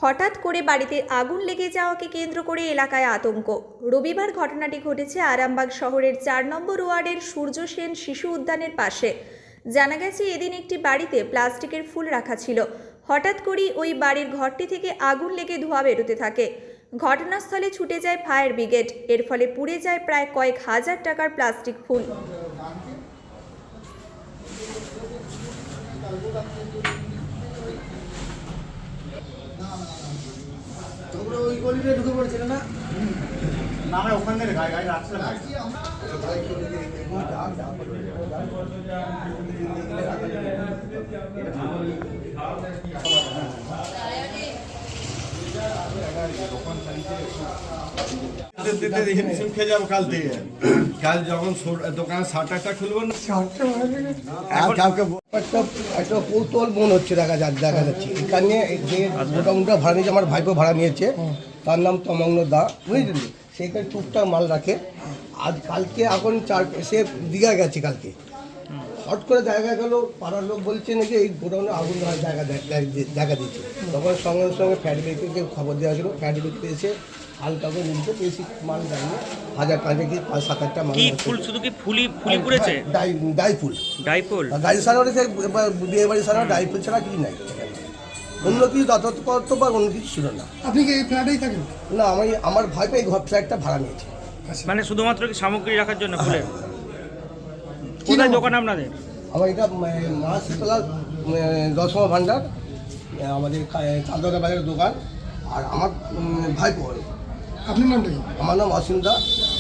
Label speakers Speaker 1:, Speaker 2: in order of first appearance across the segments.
Speaker 1: হঠাৎ করে বাড়িতে আগুন লেগে যাওয়াকে কেন্দ্র করে এলাকায় আতঙ্ক। রবিবার ঘটনাটি ঘটেছে আরামবাগ শহরের ৪ নম্বর ওয়ার্ডের সূর্য সেন শিশু উদ্যানের পাশে। জানা গেছে এদিন একটি বাড়িতে প্লাস্টিকের ফুল রাখা ছিল। হঠাৎ করেই ওই বাড়ির ঘরটি থেকে আগুন লেগে ধোঁয়া বেরোতে থাকে। ঘটনাস্থলে ছুটে যায় ফায়ার ব্রিগেড। এর ফলে পুড়ে যায় প্রায় কয়েক হাজার টাকার প্লাস্টিক ফুল।
Speaker 2: ওই গলিতে ঢুকে পড়েছিল না আমরা ওখান থেকে গাড়ি রাখছিলাম। খেয়ে যাবো কাল থেকে। কাল যখন দোকানের শাটারটা খুলবো না
Speaker 3: একটা কৌতূহল মনে হচ্ছে, দেখা যাচ্ছে এখানে যে গোডাউনটা ভাড়া নিয়েছে আমার ভাইপো ভাড়া নিয়েছে, তার নাম তমগ্ন দা, বুঝলেন। সেখানে টুকটাক মাল রাখে। আজ কালকে এখন সে দীঘা গেছে, কালকে হট করে দেখা গেল পাড়ার লোক বলছে নাকি এই গোডাউনে আগুন ধরার দেখা দিচ্ছে। তখন সঙ্গে সঙ্গে ফায়ার ব্রিগেডকে খবর দেওয়া ছিল। ফায়ার ব্রিগেড এসে হালকা করে নিতে বেশি মাল জানিয়ে 1000 কি 5-7টা মাল।
Speaker 4: ফুল শুধু কি ফুলি পুড়েছে?
Speaker 3: ডাই ফুল গাড়ি সারানো, বিয়ে বাড়ি সারানো ডাই ফুল ছাড়া কিছু নাই। অন্য কিছু যথাযথ বা অন্য কিছু ছিল না।
Speaker 5: আপনি কি এই ফ্ল্যাটেই থাকেন?
Speaker 3: না, আমার ভাইপো এই ফ্ল্যাটটা ভাড়া নিয়েছে।
Speaker 4: মানে শুধুমাত্র কি সামগ্রী রাখার জন্য ফুলের? কোথায় দোকান আপনাদের?
Speaker 3: আমার এটা মা শীতলা দশমা ভান্ডার, আমাদের চাঁদা বাজারের দোকান। আর আমার ভাইপো।
Speaker 5: আপনার নামটা কি?
Speaker 3: আমার নাম অসীম দা।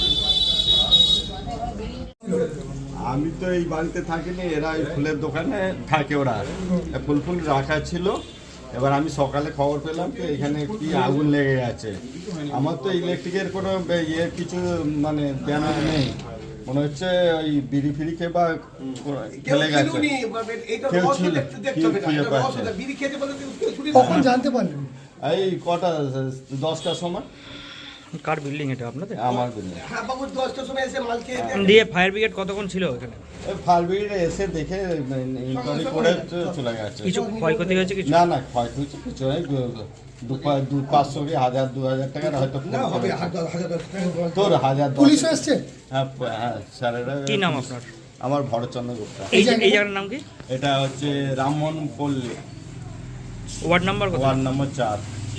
Speaker 2: আমি তো এই বাড়িতে থাকিনি, এরা এই ফুলের দোকানে থাকে, ওরা ফুল রাখা ছিল। এবার আমি সকালে খবর পেলাম যে এখানে কি আগুন লেগে গেছে। আমার তো ইলেকট্রিকের কোনো কিছু মানে ব্যানার নেই, মনে হচ্ছে ওই বিড়ি ফিড়ি খেয়ে বা খেলে গেছে, কেউ ছিল খুঁজে পাচ্ছে।
Speaker 5: কখন জানতে পারলেন?
Speaker 2: এই কটা 10টার সময়।
Speaker 4: কার বিল্ডিং এটা আপনাদের?
Speaker 2: আমার বিল্ডিং।
Speaker 3: হ্যাঁ বাবু, 10টার সময় এসে মাল খেয়ে
Speaker 4: দিয়ে ফায়ার ব্রিগেড কতক্ষণ ছিল এখানে?
Speaker 2: ফায়ার ব্রিগেড এসে দেখে ইনকোয়ারি করে চলে গেছে।
Speaker 4: কিছু ক্ষয়ক্ষতি হয়েছে? কিছু
Speaker 2: না, ক্ষয়ক্ষতি কিছু নেই। 500 কি 1000-2000 টাকার হয়তো তোর 1000।
Speaker 5: পুলিশ এসছে?
Speaker 2: হ্যাঁ স্যারেরা।
Speaker 4: কি নাম আপনার?
Speaker 2: আমার ভরতচন্দ্র গুপ্তা।
Speaker 4: এই জায়গার নাম কি?
Speaker 2: এটা হচ্ছে রামমোহন পল্লী,
Speaker 4: ওয়ার্ড নাম্বার কত?
Speaker 2: Ward number 4।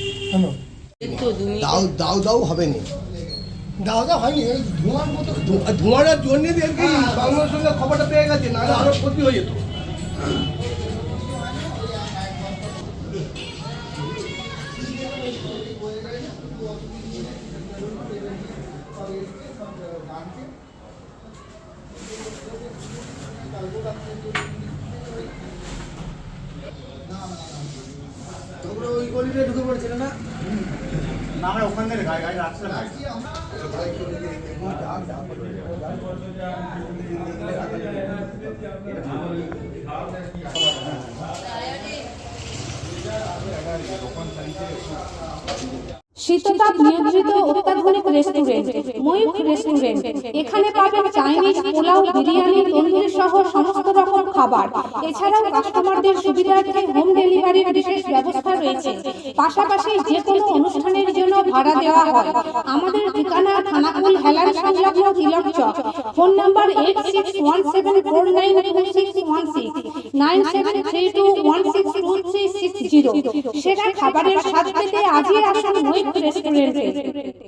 Speaker 3: দাও হবে না।
Speaker 5: দাওয়া হয়নি, এই ধোঁয়ার মতো।
Speaker 3: ধোঁয়াটার জন্য সঙ্গে সঙ্গে খবরটা পেয়ে গেছে, নাহলে আরো ক্ষতি হয়ে যেত।
Speaker 2: ওই গলিতে ঢুকে পড়েছিল না আমরা ওখান থেকে গাড়ি রাখছিলাম।
Speaker 6: শীততাপ নিয়ন্ত্রিত অত্যাধুনিক রেস্টুরেন্ট ময়ূখ রেস্টুরেন্ট। এখানে পাবেন চাইনিজ, পোলাও, বিরিয়ানি, তন্দুরি সহ সমস্ত রকম খাবার। এছাড়াও কাস্টমারদের সুবিধার্থে হোম ডেলিভারির বিশেষ ব্যবস্থা রয়েছে। পাশাপাশি যে কোনো অনুষ্ঠানের জন্য ভাড়া দেওয়া হয়। আমাদের ঠিকানা থানাকুল হেলান সংলগ্ন তিলক চক। Phone number 8617492616 9732162360। সেরা খাবারের স্বাদ পেতে আজই আসুন ময়ূখ রেস্টুরেন্টে।